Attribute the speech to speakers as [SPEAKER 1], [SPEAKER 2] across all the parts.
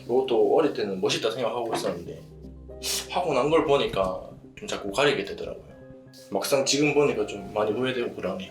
[SPEAKER 1] 이것도 어릴 때는 멋있다 생각하고 있었는데 하고 난 걸 보니까 좀 자꾸 가리게 되더라고요. 막상 지금 보니까 좀 많이 후회되고 그러네요.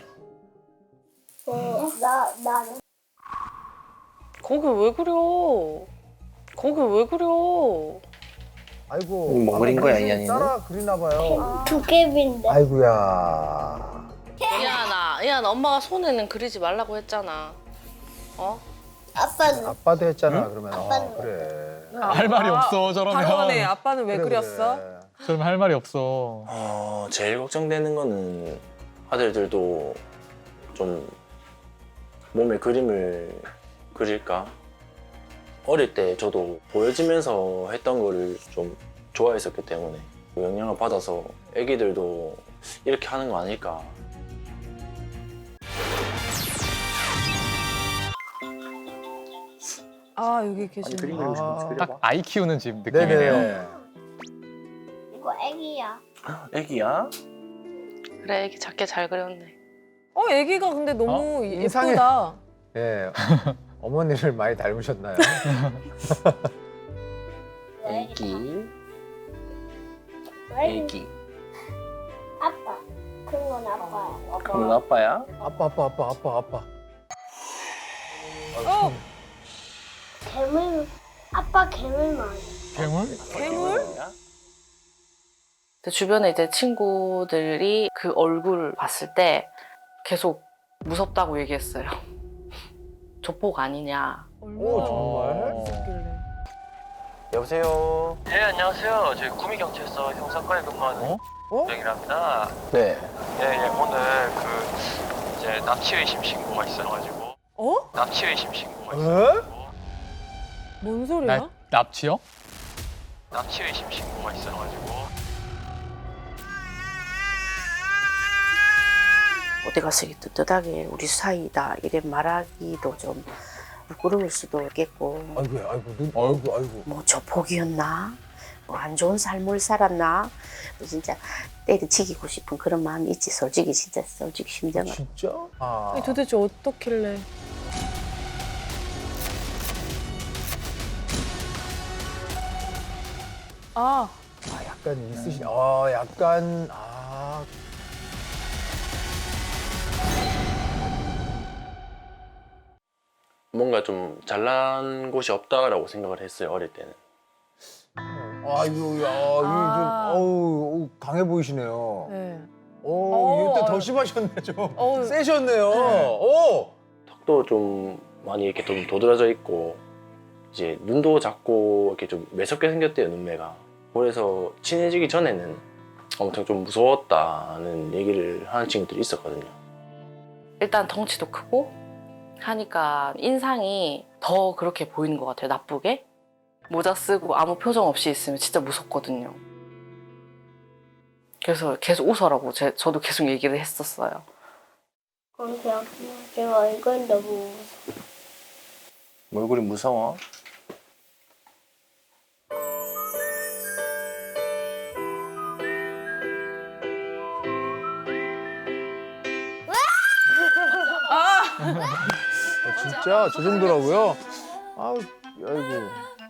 [SPEAKER 2] 나는
[SPEAKER 3] 거기 왜 그려? 거기 왜 그려?
[SPEAKER 4] 아이고.
[SPEAKER 5] 뭐 그린 거야,
[SPEAKER 4] 무슨
[SPEAKER 5] 이한이는?
[SPEAKER 4] 따라 그리나 봐요.
[SPEAKER 2] 도깨비인데.
[SPEAKER 4] 아이고야.
[SPEAKER 3] 이한아, 엄마가 손에는 그리지 말라고 했잖아. 어?
[SPEAKER 2] 아빠는
[SPEAKER 4] 아빠도 했잖아, 그러면.
[SPEAKER 2] 아빠는
[SPEAKER 4] 그래.
[SPEAKER 6] 할 말이 없어 저러면.
[SPEAKER 7] 바로 하네. 아빠는 왜
[SPEAKER 4] 그래,
[SPEAKER 7] 그렸어?
[SPEAKER 4] 그래.
[SPEAKER 6] 저러면 할 말이 없어.
[SPEAKER 5] 제일 걱정되는 거는 아들들도 좀 몸에 그림을 그릴까? 어릴 때 저도 보여지면서 했던 거를 좀 좋아했었기 때문에 영향을 받아서 애기들도 이렇게 하는 거 아닐까.
[SPEAKER 7] 아 여기 계시네.
[SPEAKER 6] 딱 아이 키우는 집 느낌이네요.
[SPEAKER 4] 네네.
[SPEAKER 2] 이거 애기야.
[SPEAKER 5] 애기야?
[SPEAKER 3] 그래, 애기 작게 잘 그렸네.
[SPEAKER 7] 애기가 근데 너무
[SPEAKER 4] 인상이-
[SPEAKER 7] 예쁘다.
[SPEAKER 4] 예. 어머니를 많이 닮으셨나요?
[SPEAKER 5] 애기.
[SPEAKER 2] 애기.
[SPEAKER 5] 애기.
[SPEAKER 2] 아빠. 큰 건 아빠야.
[SPEAKER 5] 그건 아빠야?
[SPEAKER 4] 아빠.
[SPEAKER 2] 괴물. 아빠 괴물 많아.
[SPEAKER 6] 괴물?
[SPEAKER 7] 괴물?
[SPEAKER 3] 근데 주변에 이제 친구들이 그 얼굴 봤을 때 계속 무섭다고 얘기했어요. 조폭 아니냐.
[SPEAKER 4] 오, 정말?
[SPEAKER 7] 무섭길래.
[SPEAKER 5] 여보세요?
[SPEAKER 1] 네, 안녕하세요. 저희 구미경찰서 형사과에 근무하는
[SPEAKER 4] 어?
[SPEAKER 1] 영이랍니다.
[SPEAKER 5] 네.
[SPEAKER 1] 예, 오늘 그 이제 납치 의심 신고가 있어가지고
[SPEAKER 7] 어?
[SPEAKER 1] 납치 의심 신고가
[SPEAKER 4] 에?
[SPEAKER 1] 있어가지고
[SPEAKER 7] 뭔 소리야?
[SPEAKER 6] 납치요?
[SPEAKER 1] 납치 의심 신고가 있어가지고
[SPEAKER 8] 어디 가서 이렇게 떳떳하게 우리 사이다 이래 말하기도 좀 부끄러울 수도 있겠고
[SPEAKER 4] 아이고.
[SPEAKER 8] 뭐 조폭이었나? 뭐 안 좋은 삶을 살았나? 뭐 진짜 때려치기고 싶은 그런 마음이 있지. 솔직히 심정은.
[SPEAKER 4] 진짜? 아.
[SPEAKER 7] 아니, 도대체 어떻길래? 아,
[SPEAKER 4] 약간 있으신. 약간.
[SPEAKER 5] 뭔가 좀 잘난 곳이 없다라고 생각을 했어요, 어릴 때는.
[SPEAKER 4] 아이고, 야,
[SPEAKER 7] 아.
[SPEAKER 4] 이게 좀, 강해 보이시네요.
[SPEAKER 7] 네.
[SPEAKER 4] 이때 더 심하셨네, 좀.
[SPEAKER 7] 어우.
[SPEAKER 4] 세셨네요. 오!
[SPEAKER 5] 턱도 좀 많이 이렇게 좀 도드라져 있고, 이제 눈도 작고 이렇게 좀 매섭게 생겼대요, 눈매가. 그래서 친해지기 전에는 엄청 좀 무서웠다는 얘기를 하는 친구들이 있었거든요.
[SPEAKER 3] 일단 덩치도 크고 하니까 인상이 더 그렇게 보이는 것 같아요. 나쁘게. 모자 쓰고 아무 표정 없이 있으면 진짜 무섭거든요. 그래서 계속 웃어라고 저도 계속 얘기를 했었어요.
[SPEAKER 2] 그냥 제가 이건 너무
[SPEAKER 5] 얼굴이 무서워?
[SPEAKER 4] 진짜 저 정도라고요? 아이고.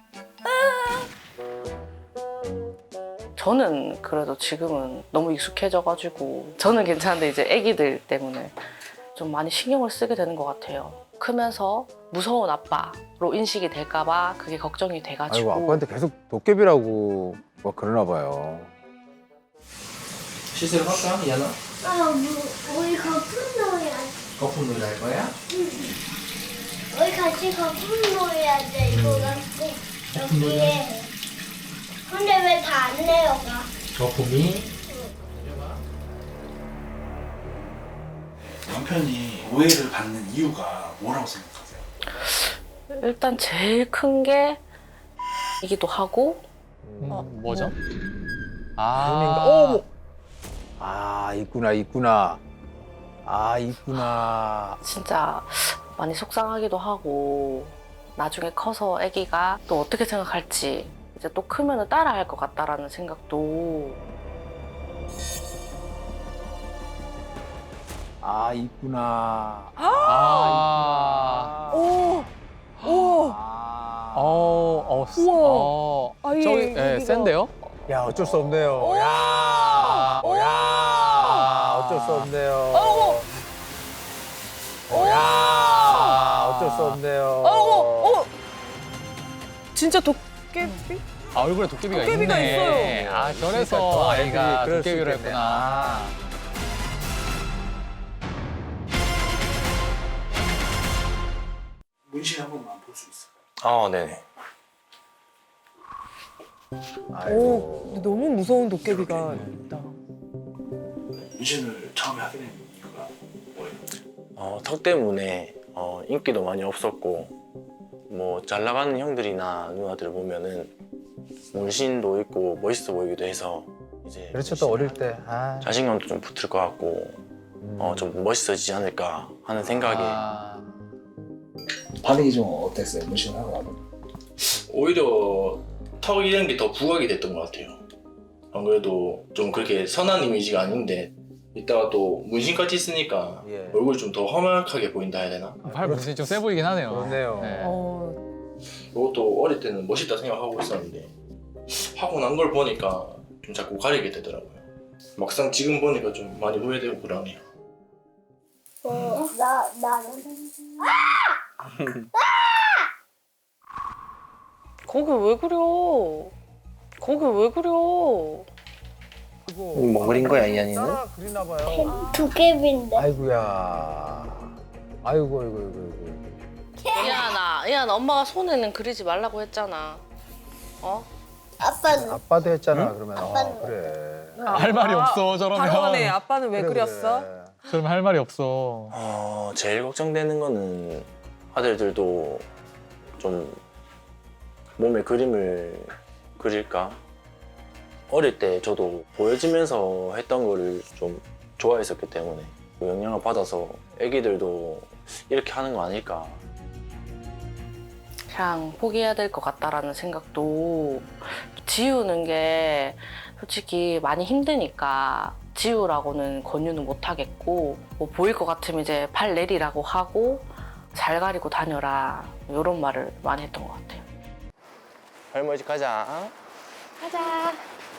[SPEAKER 3] 저는 그래도 지금은 너무 익숙해져가지고 저는 괜찮은데 이제 애기들 때문에 좀 많이 신경을 쓰게 되는 것 같아요. 크면서 무서운 아빠로 인식이 될까봐 그게 걱정이 돼가지고.
[SPEAKER 4] 아이고, 아빠한테 계속 도깨비라고 막 그러나 봐요.
[SPEAKER 1] 시세를 할까, 이하나?
[SPEAKER 2] 우리 거품 넣어야 돼.
[SPEAKER 1] 거품 놀이 할 거야?
[SPEAKER 2] 우리 같이 거품 넣어야 돼. 이거 갖고 여기에. 근데 왜 다 안 내려가?
[SPEAKER 1] 거품이?
[SPEAKER 9] 남편이 오해를 받는 이유가 뭐라고 생각하세요?
[SPEAKER 3] 일단 제일 큰 게 이기도 하고
[SPEAKER 6] 뭐죠?
[SPEAKER 4] 눈인가?
[SPEAKER 6] 아,
[SPEAKER 4] 어머! 있구나. 있구나.
[SPEAKER 3] 진짜 많이 속상하기도 하고 나중에 커서 아기가 또 어떻게 생각할지 이제 또 크면은 따라할 것 같다라는 생각도
[SPEAKER 4] 있구나.
[SPEAKER 6] 아,
[SPEAKER 7] 오, 오.
[SPEAKER 4] 아.
[SPEAKER 7] 우와. 아예
[SPEAKER 6] 저기
[SPEAKER 7] 여기가.
[SPEAKER 6] 센데요?
[SPEAKER 4] 야, 어쩔 수 없네요. 야, 어쩔 수 없네요. 야, 어쩔 수 없네요.
[SPEAKER 7] 진짜 도깨비?
[SPEAKER 6] 아, 얼굴에 도깨비가
[SPEAKER 7] 도깨비가
[SPEAKER 6] 있네.
[SPEAKER 7] 있어요.
[SPEAKER 6] 아,
[SPEAKER 4] 그러니까 또
[SPEAKER 6] 그래서
[SPEAKER 4] 아이들이
[SPEAKER 6] 아이가
[SPEAKER 4] 그럴 수
[SPEAKER 6] 도깨비를
[SPEAKER 4] 있겠네.
[SPEAKER 6] 했구나.
[SPEAKER 9] 문신 한 번만 볼 수 있어요?
[SPEAKER 5] 아, 네네.
[SPEAKER 7] 오, 근데 너무 무서운 도깨비가 있다.
[SPEAKER 9] 문신을 처음에 하게 된 이유가 뭐예요?
[SPEAKER 5] 턱 때문에 인기도 많이 없었고 뭐 잘 나가는 형들이나 누나들 보면은 문신도 있고 멋있어 보이기도 해서 이제
[SPEAKER 4] 그렇죠, 또 어릴 때. 아.
[SPEAKER 5] 자신감도 좀 붙을 것 같고 좀 멋있어지지 않을까 하는 생각에
[SPEAKER 6] 아,
[SPEAKER 9] 반응이 좀 어땠어요? 문신을 하고 나서?
[SPEAKER 1] 오히려 턱 이런 게 더 부각이 됐던 것 같아요. 안 그래도 좀 그렇게 선한 이미지가 아닌데 이따가 또 문신까지 쓰니까
[SPEAKER 4] 예.
[SPEAKER 1] 얼굴이 좀 더 험악하게 보인다 해야 되나?
[SPEAKER 6] 팔 문신이 좀 세 보이긴 하네요.
[SPEAKER 4] 그렇네요.
[SPEAKER 6] 네.
[SPEAKER 1] 이것도 어릴 때는 멋있다 생각하고 있었는데 하고 난 걸 보니까 좀 자꾸 가리게 되더라고요. 막상 지금 보니까 좀 많이 후회되고 그러네요.
[SPEAKER 2] 나는
[SPEAKER 3] 거기 왜 그려? 거기 왜 그려?
[SPEAKER 5] 뭐 그린 거야, 이한이는?
[SPEAKER 4] 따라 그리나 봐요.
[SPEAKER 2] 도깨비인데.
[SPEAKER 4] 아이고야. 아이고, 아이고.
[SPEAKER 3] 이한아, 엄마가 손에는 그리지 말라고 했잖아. 어?
[SPEAKER 2] 아빠는
[SPEAKER 4] 아빠도 했잖아, 그러면.
[SPEAKER 2] 아빠는
[SPEAKER 4] 그래.
[SPEAKER 6] 할 말이 없어, 저러면.
[SPEAKER 7] 바로 하네. 아빠는 왜
[SPEAKER 4] 그래,
[SPEAKER 7] 그렸어?
[SPEAKER 4] 그래.
[SPEAKER 6] 저러면 할 말이 없어.
[SPEAKER 5] 제일 걱정되는 거는 아들들도 좀 몸에 그림을 그릴까? 어릴 때 저도 보여지면서 했던 거를 좀 좋아했었기 때문에 그 영향을 받아서 애기들도 이렇게 하는 거 아닐까.
[SPEAKER 3] 그냥 포기해야 될 것 같다라는 생각도 지우는 게 솔직히 많이 힘드니까 지우라고는 권유는 못 하겠고 뭐 보일 것 같으면 이제 팔 내리라고 하고 잘 가리고 다녀라 이런 말을 많이 했던 것 같아요.
[SPEAKER 5] 할머니 집 가자.
[SPEAKER 3] 가자.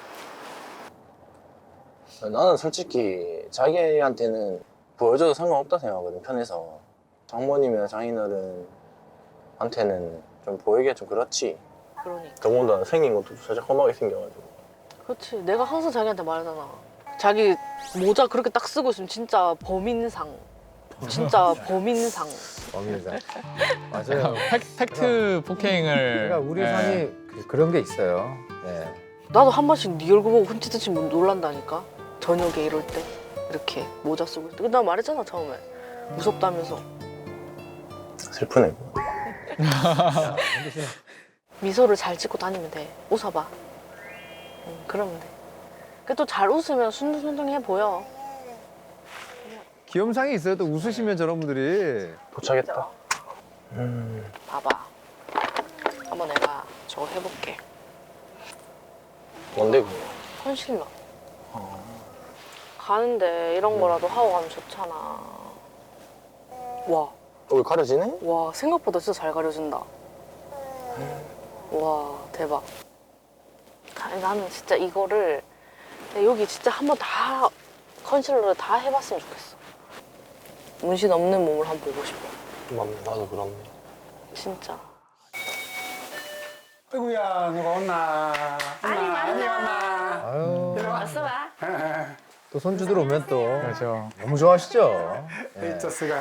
[SPEAKER 5] 나는 솔직히 자기한테는 보여줘도 상관없다 생각하거든, 편해서. 장모님이나 장인어른한테는 좀 보이기가 좀 그렇지.
[SPEAKER 3] 그러니까.
[SPEAKER 5] 더군다나 생긴 것도 살짝 험하게 생겨가지고.
[SPEAKER 3] 그렇지. 내가 항상 자기한테 말하잖아. 자기 모자 그렇게 딱 쓰고 있으면 진짜 범인상. 진짜 범인상.
[SPEAKER 4] 범인상. 맞아요.
[SPEAKER 6] 팩트 폭행을.
[SPEAKER 4] 그러니까 우리
[SPEAKER 6] 예.
[SPEAKER 4] 상이 그런 게 있어요. 네.
[SPEAKER 3] 나도 한 번씩 네 얼굴 보고 흠칫흠칫 놀란다니까. 저녁에 이럴 때 이렇게 모자 쓰고 있을 때. 나 말했잖아 처음에. 무섭다면서.
[SPEAKER 5] 슬프네.
[SPEAKER 3] 미소를 잘 짓고 다니면 돼. 웃어봐. 그러면 돼. 또 잘 웃으면 순둥순둥해 보여.
[SPEAKER 4] 귀염상이 있어요. 또 웃으시면 저런 분들이.
[SPEAKER 5] 도착했다.
[SPEAKER 3] 봐봐. 한번 내가 저거 해볼게.
[SPEAKER 5] 뭔데 그거?
[SPEAKER 3] 컨실러. 가는데 이런 거라도 하고 가면 좋잖아. 와,
[SPEAKER 5] 여기 가려지네?
[SPEAKER 3] 와 생각보다 진짜 잘 가려진다. 와 대박. 아니, 나는 진짜 이거를 여기 진짜 한번 다 컨실러를 다 해봤으면 좋겠어. 문신 없는 몸을 한번 보고 싶어.
[SPEAKER 5] 나도 그렇네.
[SPEAKER 3] 진짜.
[SPEAKER 10] 아이고야, 누가 왔나? 아니 왔나?
[SPEAKER 4] 아유.
[SPEAKER 3] 왔어 봐.
[SPEAKER 4] 또 손주들 오면 또
[SPEAKER 6] 그렇죠.
[SPEAKER 4] 너무 좋아하시죠. 네.
[SPEAKER 10] 이토스가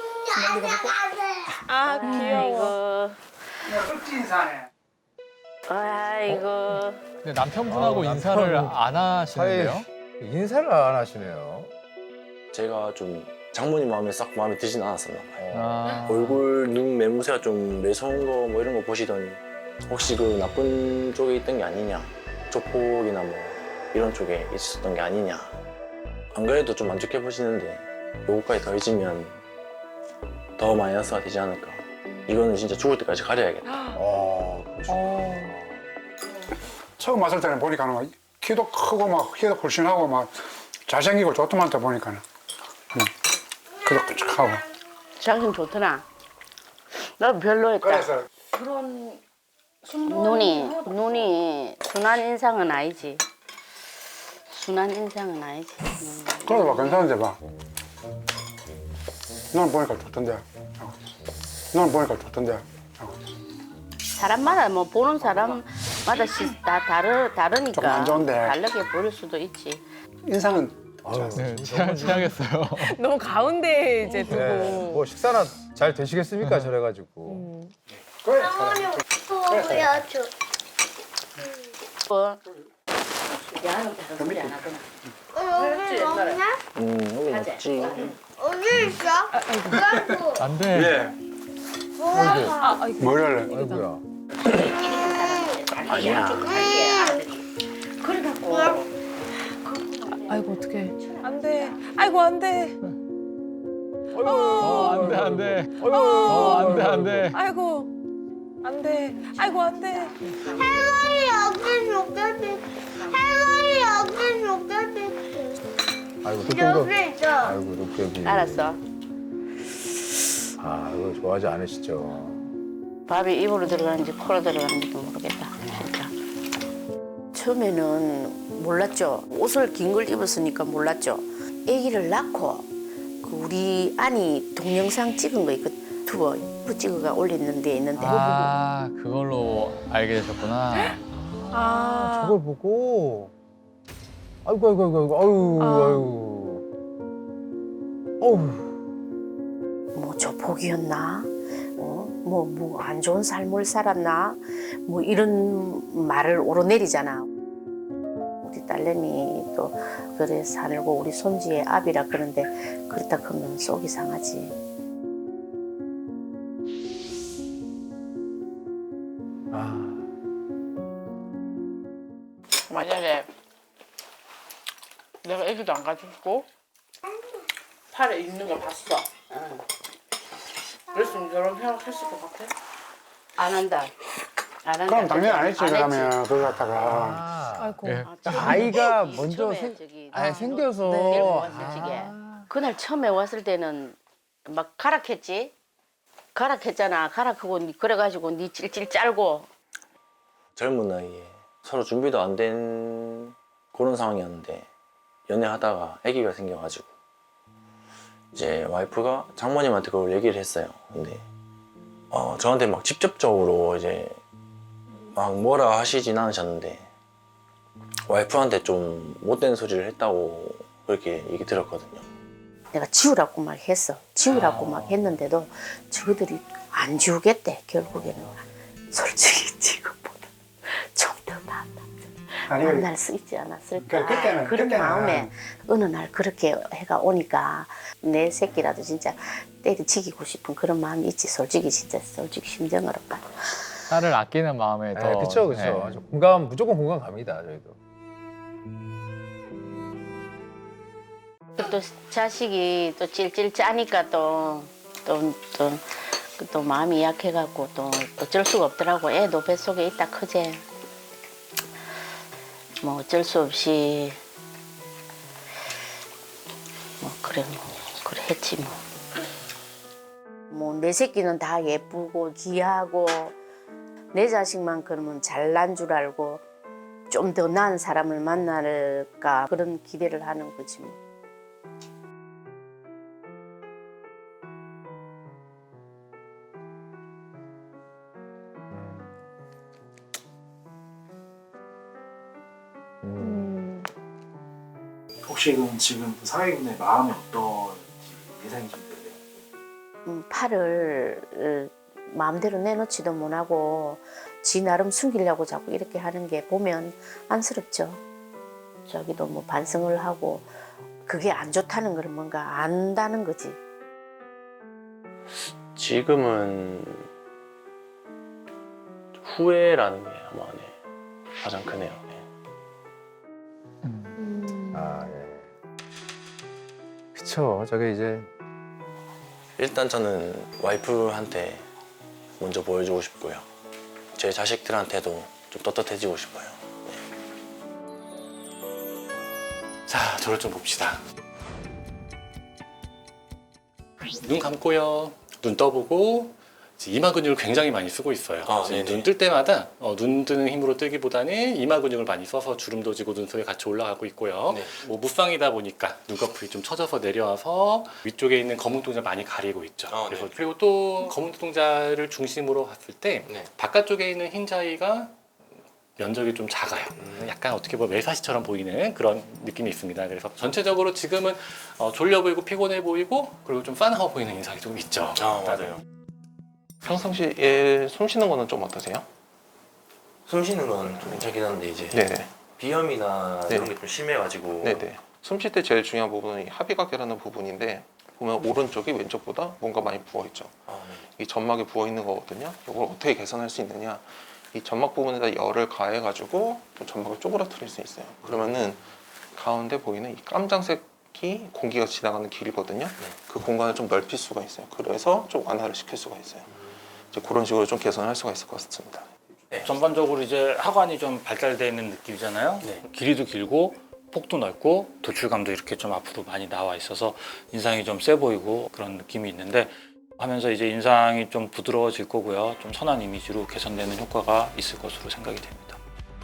[SPEAKER 3] 아 귀여워.
[SPEAKER 10] 흑진사네.
[SPEAKER 3] 아이고.
[SPEAKER 6] 근데 남편분하고
[SPEAKER 4] 아,
[SPEAKER 6] 인사를
[SPEAKER 4] 남편은
[SPEAKER 6] 안 하시는데요?
[SPEAKER 4] 인사를 안 하시네요.
[SPEAKER 5] 제가 좀 장모님 마음에 드진 않았었나 봐요.
[SPEAKER 6] 아.
[SPEAKER 5] 얼굴, 눈 매무새가 좀 매서운 거 뭐 이런 거 보시더니 혹시 그 나쁜 쪽에 있던 게 아니냐, 조폭이나 뭐 이런 쪽에 있었던 게 아니냐. 안 그래도 좀 안 좋게 보시는데 요거까지 더해지면 더 마이너스가 되지 않을까. 이거는 진짜 죽을 때까지 가려야겠다.
[SPEAKER 10] 처음 왔을 때는 보니까는 막 키도 크고 막 키도 굴신하고 막 잘생기고 좋더만다 보니까는. 그렇고 하고.
[SPEAKER 8] 장님 좋더라. 나도 별로였다.
[SPEAKER 10] 그래서
[SPEAKER 3] 그런
[SPEAKER 8] 눈이 순한 인상은 아니지. 순한 인상은 아니지.
[SPEAKER 10] 그래도 막 괜찮은데 봐. 너는 보니까 좋던데. 너는 보니까 좋던데.
[SPEAKER 8] 사람마다 뭐 보는 사람마다 다 다르니까
[SPEAKER 10] 조금 안 좋은데.
[SPEAKER 8] 다르게 보일 수도 있지.
[SPEAKER 10] 인상은
[SPEAKER 6] 네, 취하겠어요.
[SPEAKER 7] 너무 가운데 이제 두고.
[SPEAKER 4] 네. 뭐 식사나 잘 되시겠습니까? 저래가지고.
[SPEAKER 2] 할머니 보여줘.
[SPEAKER 8] 뭐 야는 별로 소리 안 하구나.
[SPEAKER 2] 여기 없냐?
[SPEAKER 5] 여기 없지.
[SPEAKER 2] 어디 있어? 아이고.
[SPEAKER 6] 안 돼.
[SPEAKER 2] 뭐야?
[SPEAKER 10] 뭘 할래?
[SPEAKER 4] 아이고야.
[SPEAKER 5] 아니야.
[SPEAKER 8] 그래갖고
[SPEAKER 7] 아이고 어떡해. 안 돼. 아이고 안 돼.
[SPEAKER 6] 안 돼, 안 돼. 안 돼, 안 돼.
[SPEAKER 7] 아이고 안 돼. 아이고 안 돼.
[SPEAKER 2] 할머니 여기 녹여줄. 할머니 여기 녹여줄.
[SPEAKER 4] 아이고 도tom도.
[SPEAKER 2] 여기 있어.
[SPEAKER 4] 아이고 도깨비.
[SPEAKER 8] 알았어.
[SPEAKER 4] 아 이거 좋아하지 않으시죠?
[SPEAKER 8] 밥이 입으로 들어가는지 코로 들어가는지도 모르겠다. 진짜. 처음에는 몰랐죠. 옷을 긴 걸 입었으니까 몰랐죠. 아기를 낳고 그 우리 아니 동영상 찍은 거 있고 유튜버 찍어가 올리는 데 있는데
[SPEAKER 6] 아, 그걸로 알게 되셨구나.
[SPEAKER 7] 아.
[SPEAKER 4] 저걸 보고. 아이고 아이고 아이고 아이고 아이고. 어우.
[SPEAKER 8] 뭐 조폭이었나? 뭐 안 좋은 삶을 살았나? 뭐 이런 말을 오르내리잖아. 우리 딸내미 또 그래 살고 우리 손지의 아비라 그런데 그렇다 그러면 속이 상하지. 만약에 내가 애기도 안 가지고 팔에 있는 거 봤어. 그랬으면 결혼 생각했을 것 같아? 안 한다. 안 한다.
[SPEAKER 10] 그럼 당연히 안 했지
[SPEAKER 8] 안
[SPEAKER 10] 그러면 그거 갖다가.
[SPEAKER 7] 아이고.
[SPEAKER 6] 예.
[SPEAKER 4] 아이가 먼저
[SPEAKER 8] 처음에 저기
[SPEAKER 4] 생겨서.
[SPEAKER 8] 데리고 왔을 적에 그날 처음에 왔을 때는 막 가락했지. 가락했잖아. 가락하고 그래가지고 니 찔찔 짤고.
[SPEAKER 5] 젊은 나이에 서로 준비도 안 된 그런 상황이었는데 연애하다가 아기가 생겨가지고 이제 와이프가 장모님한테 그걸 얘기를 했어요. 근데 저한테 막 직접적으로 이제 막 뭐라 하시진 않으셨는데 와이프한테 좀 못된 소리를 했다고 그렇게 얘기 들었거든요.
[SPEAKER 8] 내가 지우라고 막 했어. 지우라고 막 했는데도 저들이 안 지우겠대. 결국에는 솔직히 지금보다 좀 더 낫다. 만날 수 있지 않았을까. 그런 마음에 어느 날 그렇게 해가 오니까 내 새끼라도 진짜 때려치기고 싶은 그런 마음이 있지. 솔직히 진짜 솔직히 심정으로 봐.
[SPEAKER 6] 딸을 아끼는 마음에 더.
[SPEAKER 4] 그쵸 그쵸.
[SPEAKER 6] 예.
[SPEAKER 4] 공감 무조건 공감 갑니다 저희도.
[SPEAKER 8] 또 자식이 또 찔찔 짜니까 또 마음이 약해갖고 또 어쩔 수가 없더라고. 애도 뱃속에 있다 크지. 뭐 어쩔 수 없이 뭐 그래 했지 뭐. 뭐 내 새끼는 다 예쁘고 귀하고 내 자식만 그러면 잘난 줄 알고 좀 더 나은 사람을 만날까 그런 기대를 하는 거지 뭐.
[SPEAKER 9] 혹시 그럼 지금 그 사회인의 마음이 어떤지 예상이 좀 되세요?
[SPEAKER 8] 팔을 마음대로 내놓지도 못하고 지 나름 숨기려고 자꾸 이렇게 하는 게 보면 안쓰럽죠. 자기도 뭐 반성을 하고 그게 안 좋다는 걸 뭔가 안다는 거지.
[SPEAKER 5] 지금은 후회라는 게 아마 가장 크네요.
[SPEAKER 4] 아 예. 그쵸. 저게 이제
[SPEAKER 5] 일단 저는 와이프한테 먼저 보여주고 싶고요. 제 자식들한테도 좀 떳떳해지고 싶어요.
[SPEAKER 11] 자, 저를 좀 봅시다. 눈 감고요. 눈 떠보고 이마 근육을 굉장히 많이 쓰고 있어요. 눈 뜰 때마다 눈 뜨는 힘으로 뜨기보다는 이마 근육을 많이 써서 주름도 지고 눈썹이 같이 올라가고 있고요. 뭐 무쌍이다 보니까 눈꺼풀이 좀 처져서 내려와서 위쪽에 있는 검은 동자 많이 가리고 있죠. 그래서 그리고 또 검은 동자를 중심으로 봤을 때 바깥쪽에 있는 흰자위가 면적이 좀 작아요. 약간 어떻게 보면 매사시처럼 보이는 그런 느낌이 있습니다. 그래서 전체적으로 지금은 졸려 보이고 피곤해 보이고 그리고 좀 싸나워 보이는 인상이 좀 있죠.
[SPEAKER 5] 맞아요. 평상시에 숨 쉬는 거는 좀 어떠세요?
[SPEAKER 12] 숨 쉬는 건 좀 괜찮긴 한데 이제
[SPEAKER 5] 네네.
[SPEAKER 12] 비염이나
[SPEAKER 5] 네.
[SPEAKER 12] 이런 게 좀 심해가지고
[SPEAKER 5] 네네. 숨 쉴 때 제일 중요한 부분은 이 합의각이라는 부분인데 보면 오른쪽이 왼쪽보다 뭔가 많이 부어있죠. 이 점막이 부어있는 거거든요. 이걸 어떻게 개선할 수 있느냐, 이 점막 부분에다 열을 가해가지고 좀 점막을 쪼그라뜨릴 수 있어요. 그러면은 가운데 보이는 이 깜장색이 공기가 지나가는 길이거든요. 그 공간을 좀 넓힐 수가 있어요. 그래서 좀 완화를 시킬 수가 있어요. 이제 그런 식으로 좀 개선할 수가 있을 것 같습니다.
[SPEAKER 13] 전반적으로 이제 하관이 좀 발달되어 있는 느낌이잖아요. 길이도 길고 폭도 넓고 도출감도 이렇게 좀 앞으로 많이 나와 있어서 인상이 좀 세 보이고 그런 느낌이 있는데 하면서 이제 인상이 좀 부드러워질 거고요. 좀 선한 이미지로 개선되는 효과가 있을 것으로 생각이 됩니다.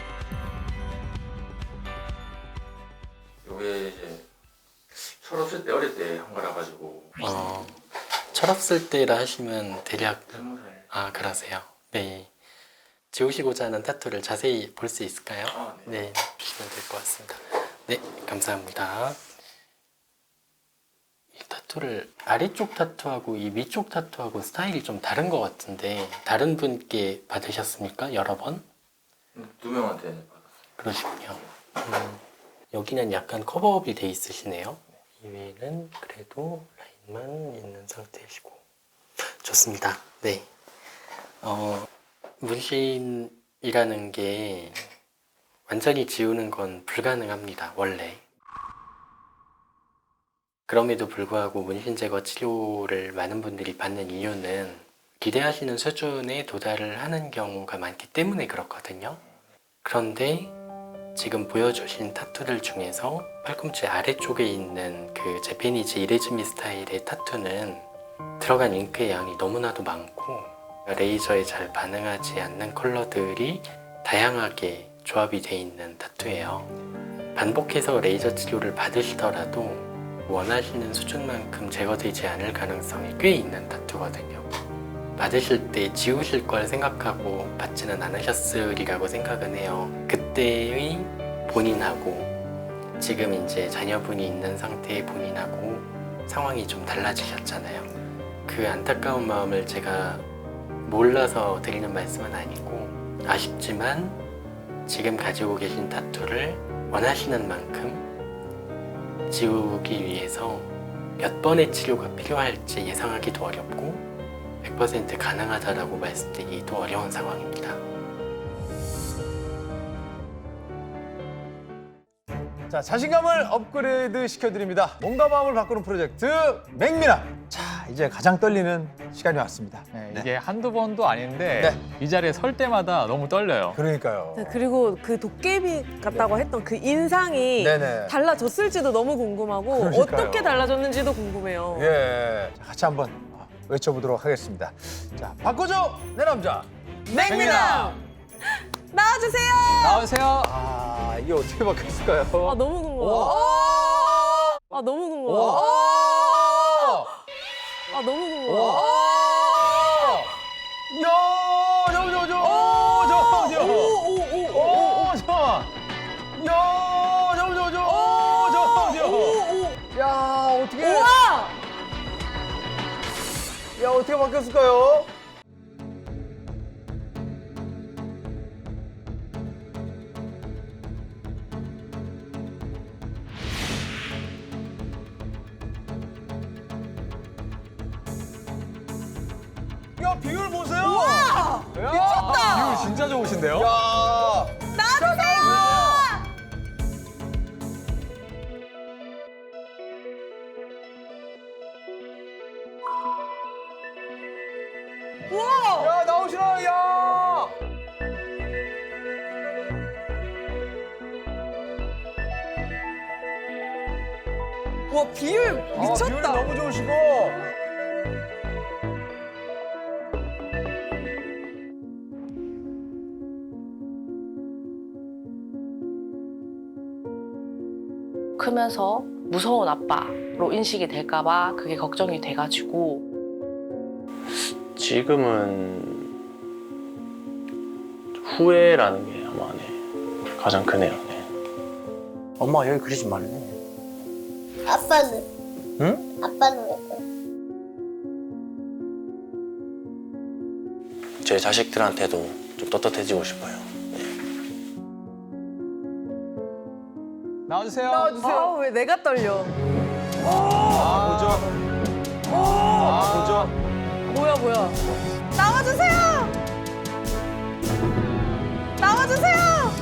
[SPEAKER 1] 이게 이제 철없을 때 어릴 때 한 거라 가지고.
[SPEAKER 14] 철없을 때라 하시면 대략 그러세요. 네. 지우시고자 하는 타투를 자세히 볼 수 있을까요? 네, 보시면 될 것 같습니다. 네, 감사합니다. 이 타투를 아래쪽 타투하고 이 위쪽 타투하고 스타일이 좀 다른 것 같은데 다른 분께 받으셨습니까? 여러 번?
[SPEAKER 1] 2명한테 받았어요.
[SPEAKER 14] 그러시군요. 여기는 약간 커버업이 돼 있으시네요. 이외에는 그래도 라인만 있는 상태이시고 좋습니다. 네. 문신이라는 게 완전히 지우는 건 불가능합니다, 원래. 그럼에도 불구하고 문신 제거 치료를 많은 분들이 받는 이유는 기대하시는 수준에 도달을 하는 경우가 많기 때문에 그렇거든요. 그런데 지금 보여주신 타투들 중에서 팔꿈치 아래쪽에 있는 그 재패니즈 이레즈미 스타일의 타투는 들어간 잉크의 양이 너무나도 많고 레이저에 잘 반응하지 않는 컬러들이 다양하게 조합이 돼 있는 타투예요. 반복해서 레이저 치료를 받으시더라도 원하시는 수준만큼 제거되지 않을 가능성이 꽤 있는 타투거든요. 받으실 때 지우실 걸 생각하고 받지는 않으셨으리라고 생각은 해요. 그때의 본인하고 지금 이제 자녀분이 있는 상태의 본인하고 상황이 좀 달라지셨잖아요. 그 안타까운 마음을 제가 몰라서 드리는 말씀은 아니고 아쉽지만 지금 가지고 계신 타투를 원하시는 만큼 지우기 위해서 몇 번의 치료가 필요할지 예상하기도 어렵고 100% 가능하다라고 말씀드리기도 어려운 상황입니다.
[SPEAKER 4] 자, 자신감을 업그레이드 시켜드립니다. 몸과 마음을 바꾸는 프로젝트 맹미남. 자, 이제 가장 떨리는 시간이 왔습니다.
[SPEAKER 6] 네, 이게 한두 번도 아닌데 이 자리에 설 때마다 너무 떨려요.
[SPEAKER 4] 그러니까요.
[SPEAKER 7] 네, 그리고 그 도깨비 같다고 했던 그 인상이
[SPEAKER 4] 네네.
[SPEAKER 7] 달라졌을지도 너무 궁금하고
[SPEAKER 4] 그러니까요.
[SPEAKER 7] 어떻게 달라졌는지도 궁금해요.
[SPEAKER 4] 예, 자, 같이 한번 외쳐보도록 하겠습니다. 자, 바꿔줘 내 남자
[SPEAKER 7] 맹미남! 나와주세요!
[SPEAKER 6] 나오세요.
[SPEAKER 4] 아, 이게 어떻게 바뀌었을까요?
[SPEAKER 7] 아, 너무 궁금하다. 아, 너무 궁금하다. 아, 너무 궁금하다.
[SPEAKER 4] 야, 어떻게?
[SPEAKER 7] 우와!
[SPEAKER 4] 야, 어떻게 바뀌었을까요? 야, 비율 보세요.
[SPEAKER 7] 우와!
[SPEAKER 4] 야,
[SPEAKER 7] 미쳤다!
[SPEAKER 6] 비율 진짜 좋으신데요?
[SPEAKER 4] 야,
[SPEAKER 7] 나주세요! 우와!
[SPEAKER 4] 야, 나오시라, 야.
[SPEAKER 7] 와, 비율 미쳤다.
[SPEAKER 4] 비율 너무 좋으시고.
[SPEAKER 3] 크면서 무서운 아빠로 인식이 될까봐 그게 걱정이 돼가지고.
[SPEAKER 5] 지금은 후회라는 게 아마 가장 크네요.
[SPEAKER 12] 엄마 여기 그리지 말래.
[SPEAKER 2] 아빠는?
[SPEAKER 5] 응?
[SPEAKER 2] 아빠는 왜?
[SPEAKER 5] 제 자식들한테도 좀 떳떳해지고 싶어요.
[SPEAKER 4] 나와주세요.
[SPEAKER 7] 아, 왜 내가 떨려?
[SPEAKER 4] 보죠. 보죠.
[SPEAKER 7] 뭐야? 나와주세요! 나와주세요!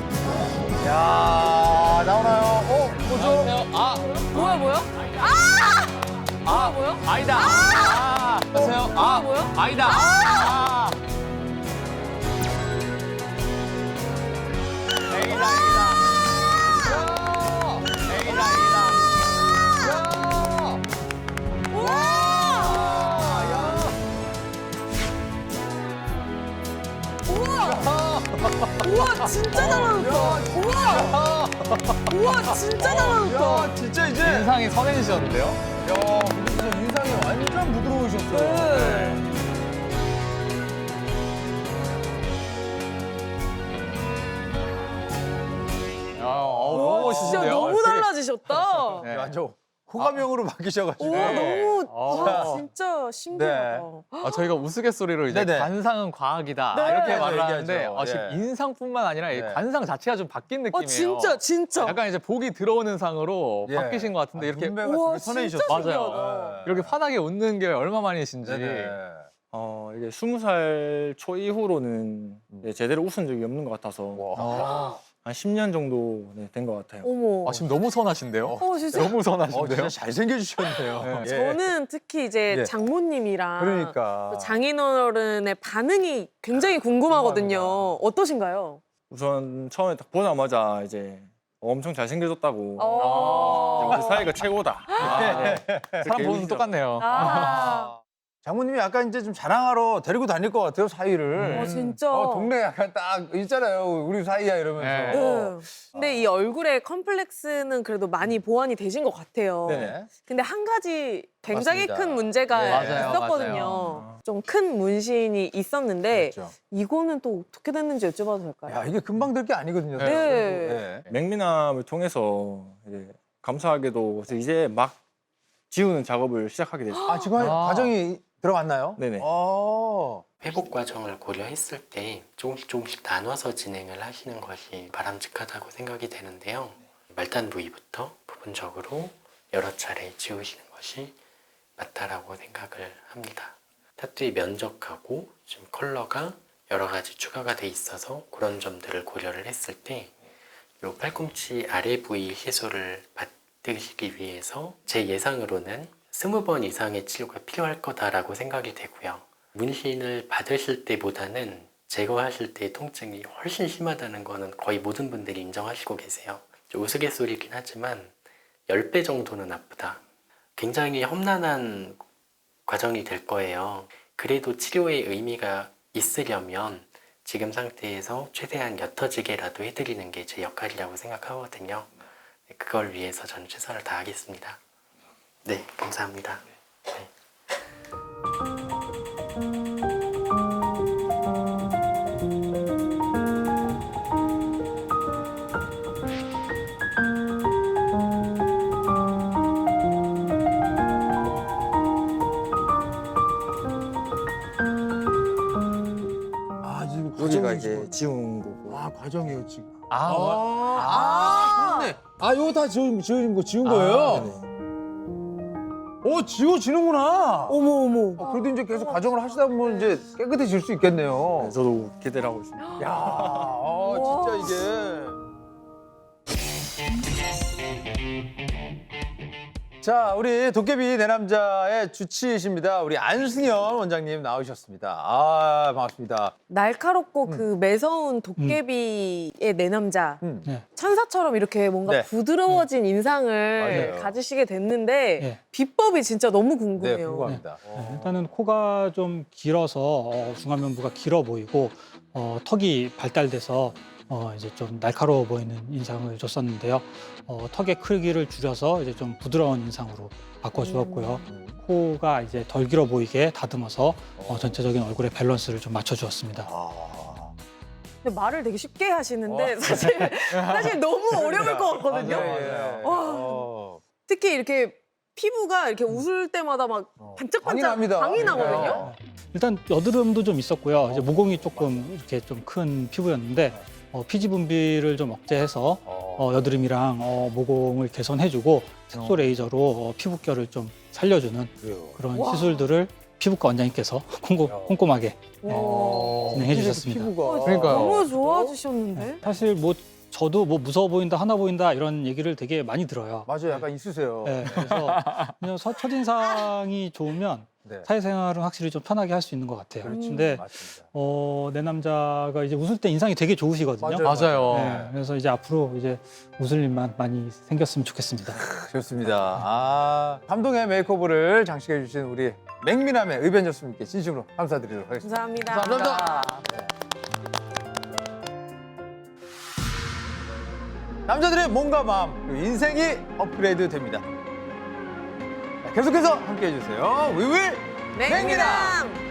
[SPEAKER 4] 야, 나오나요? 보죠.
[SPEAKER 7] 뭐야? 뭐야?
[SPEAKER 4] 아니다. 안녕하세요.
[SPEAKER 7] 뭐야?
[SPEAKER 4] 아니다.
[SPEAKER 7] 우와, 진짜 달라졌다. 우와, 진짜 달라졌다.
[SPEAKER 4] 진짜 이제
[SPEAKER 6] 인상이 선해지셨는데요?
[SPEAKER 4] 야, 근데 진짜 인상이 완전 부드러우셨어요.
[SPEAKER 7] 네.
[SPEAKER 6] 너무 멋있으신데요?
[SPEAKER 7] 진짜 너무 달라지셨다.
[SPEAKER 6] 네.
[SPEAKER 4] 완전 호감형으로 바뀌셔가지고.
[SPEAKER 7] 우와, 너무
[SPEAKER 6] 어.
[SPEAKER 7] 진짜 신기하다.
[SPEAKER 6] 저희가 우스갯소리로 이제
[SPEAKER 4] 네네.
[SPEAKER 6] 관상은 과학이다
[SPEAKER 7] 네.
[SPEAKER 6] 이렇게
[SPEAKER 4] 맞아요,
[SPEAKER 6] 말을 하는데
[SPEAKER 4] 얘기하죠.
[SPEAKER 6] 지금
[SPEAKER 4] 예.
[SPEAKER 6] 인상뿐만 아니라 이
[SPEAKER 4] 네.
[SPEAKER 6] 관상 자체가 좀 바뀐 느낌이에요.
[SPEAKER 7] 진짜.
[SPEAKER 6] 약간 이제 복이 들어오는 상으로
[SPEAKER 4] 예.
[SPEAKER 6] 바뀌신 것 같은데 이렇게
[SPEAKER 4] 눈매가
[SPEAKER 7] 우와,
[SPEAKER 4] 되게 선해지셨어요.
[SPEAKER 7] 진짜
[SPEAKER 6] 맞아요.
[SPEAKER 7] 신기하다.
[SPEAKER 6] 이렇게 환하게 웃는 게 얼마 만이신지.
[SPEAKER 4] 네네.
[SPEAKER 15] 이게 20살 초 이후로는 제대로 웃은 적이 없는 것 같아서
[SPEAKER 4] 와.
[SPEAKER 15] 한 10년 정도 된 것 같아요.
[SPEAKER 7] 어머.
[SPEAKER 6] 지금 너무 선하신데요?
[SPEAKER 7] 진짜.
[SPEAKER 6] 너무 선하신데요?
[SPEAKER 4] 진짜 잘생겨주셨네요.
[SPEAKER 6] 네.
[SPEAKER 4] 예.
[SPEAKER 7] 저는 특히 이제
[SPEAKER 4] 예.
[SPEAKER 7] 장모님이랑
[SPEAKER 4] 그러니까.
[SPEAKER 7] 또 장인어른의 반응이 굉장히 궁금하거든요. 어떠신가요?
[SPEAKER 15] 우선 처음에 딱 보자마자 이제 엄청 잘생겨졌다고
[SPEAKER 7] 어.
[SPEAKER 15] 우리 사이가 최고다.
[SPEAKER 6] 사람 보는 눈 똑같네요.
[SPEAKER 4] 장모님이 약간 이제 좀 자랑하러 데리고 다닐 것 같아요, 사이를.
[SPEAKER 7] 진짜.
[SPEAKER 4] 동네 약간 딱 있잖아요. 우리 사이야 이러면서.
[SPEAKER 7] 네. 근데 이 얼굴의 컴플렉스는 그래도 많이 보완이 되신 것 같아요.
[SPEAKER 4] 네네.
[SPEAKER 7] 근데 한 가지 굉장히
[SPEAKER 4] 맞습니다.
[SPEAKER 7] 큰 문제가
[SPEAKER 4] 네.
[SPEAKER 6] 맞아요,
[SPEAKER 7] 있었거든요.
[SPEAKER 6] 맞아요.
[SPEAKER 7] 좀 큰 문신이 있었는데
[SPEAKER 4] 그렇죠.
[SPEAKER 7] 이거는 또 어떻게 됐는지 여쭤봐도 될까요?
[SPEAKER 4] 야, 이게 금방 될 게 아니거든요.
[SPEAKER 7] 네.
[SPEAKER 4] 네.
[SPEAKER 15] 맹미남을 통해서 이제 감사하게도 이제 막 지우는 작업을 시작하게 됐어요.
[SPEAKER 4] 지금 과정이 들어갔나요?
[SPEAKER 15] 네네.
[SPEAKER 14] 회복 과정을 고려했을 때 조금씩 나눠서 진행을 하시는 것이 바람직하다고 생각이 되는데요. 말단 부위부터 부분적으로 여러 차례 지우시는 것이 맞다라고 생각을 합니다. 타투의 면적하고 지금 컬러가 여러 가지 추가가 돼 있어서 그런 점들을 고려를 했을 때 이 팔꿈치 아래 부위 해소를 받으시기 위해서 제 예상으로는 20번 이상의 치료가 필요할 거다라고 생각이 되고요. 문신을 받으실 때보다는 제거하실 때의 통증이 훨씬 심하다는 거는 거의 모든 분들이 인정하시고 계세요. 좀 우스갯소리긴 하지만 10배 정도는 아프다. 굉장히 험난한 과정이 될 거예요. 그래도 치료의 의미가 있으려면 지금 상태에서 최대한 옅어지게라도 해드리는 게 제 역할이라고 생각하거든요. 그걸 위해서 저는 최선을 다하겠습니다. 네, 감사합니다.
[SPEAKER 4] 지금
[SPEAKER 15] 여기가 이제 지운 거고.
[SPEAKER 4] 과정이에요, 지금.
[SPEAKER 15] 네.
[SPEAKER 4] 이거 다 지운 거예요? 지워지는구나.
[SPEAKER 7] 어머.
[SPEAKER 4] 그래도 이제 계속 과정을 하시다 보면 이제 깨끗해질 수 있겠네요.
[SPEAKER 15] 저도 기대를 하고 있습니다.
[SPEAKER 4] 야, 진짜 이게. 자, 우리 도깨비 내 남자의 주치이십니다. 우리 안승현 원장님 나오셨습니다. 반갑습니다.
[SPEAKER 7] 날카롭고 그 매서운 도깨비의 내 남자. 천사처럼 이렇게 뭔가
[SPEAKER 4] 네.
[SPEAKER 7] 부드러워진 인상을
[SPEAKER 4] 맞아요.
[SPEAKER 7] 가지시게 됐는데
[SPEAKER 16] 네.
[SPEAKER 7] 비법이 진짜 너무 궁금해요.
[SPEAKER 4] 궁금합니다.
[SPEAKER 16] 일단은 코가 좀 길어서 중안면부가 길어 보이고 턱이 발달돼서 이제 좀 날카로워 보이는 인상을 줬었는데요. 턱의 크기를 줄여서 이제 좀 부드러운 인상으로 바꿔주었고요. 코가 이제 덜 길어 보이게 다듬어서 전체적인 얼굴의 밸런스를 좀 맞춰주었습니다.
[SPEAKER 7] 근데 말을 되게 쉽게 하시는데 사실 너무 어려울 것 같거든요. 와, 특히 이렇게 피부가 이렇게 웃을 때마다 막 반짝반짝 광이 나거든요.
[SPEAKER 16] 일단 여드름도 좀 있었고요. 이제 모공이 조금 이렇게 좀 큰 피부였는데 피지 분비를 좀 억제해서 여드름이랑 모공을 개선해주고 색소 레이저로 피부결을 좀 살려주는 그런
[SPEAKER 4] 와.
[SPEAKER 16] 시술들을 피부과 원장님께서 꼼꼼하게 진행해 주셨습니다.
[SPEAKER 7] 너무 좋아지셨는데?
[SPEAKER 16] 사실 뭐 저도 뭐 무서워 보인다, 하나 보인다 이런 얘기를 되게 많이 들어요.
[SPEAKER 4] 맞아요. 약간 있으세요.
[SPEAKER 16] 네, 그래서 그냥 첫인상이 좋으면 사회생활은 확실히 좀 편하게 할 수 있는 것 같아요. 근데 내 남자가 이제 웃을 때 인상이 되게 좋으시거든요.
[SPEAKER 6] 맞아요.
[SPEAKER 16] 네, 그래서 이제 앞으로 이제 웃을 일만 많이 생겼으면 좋겠습니다.
[SPEAKER 4] 좋습니다. 감동의 메이크오버를 장식해 주신 우리 맹미남의 의변조수님께 진심으로 감사드리도록 하겠습니다.
[SPEAKER 7] 감사합니다.
[SPEAKER 4] 감사합니다. 남자들의 몸과 마음, 그리고 인생이 업그레이드 됩니다. 계속해서 함께해 주세요. 위윌 맹미남!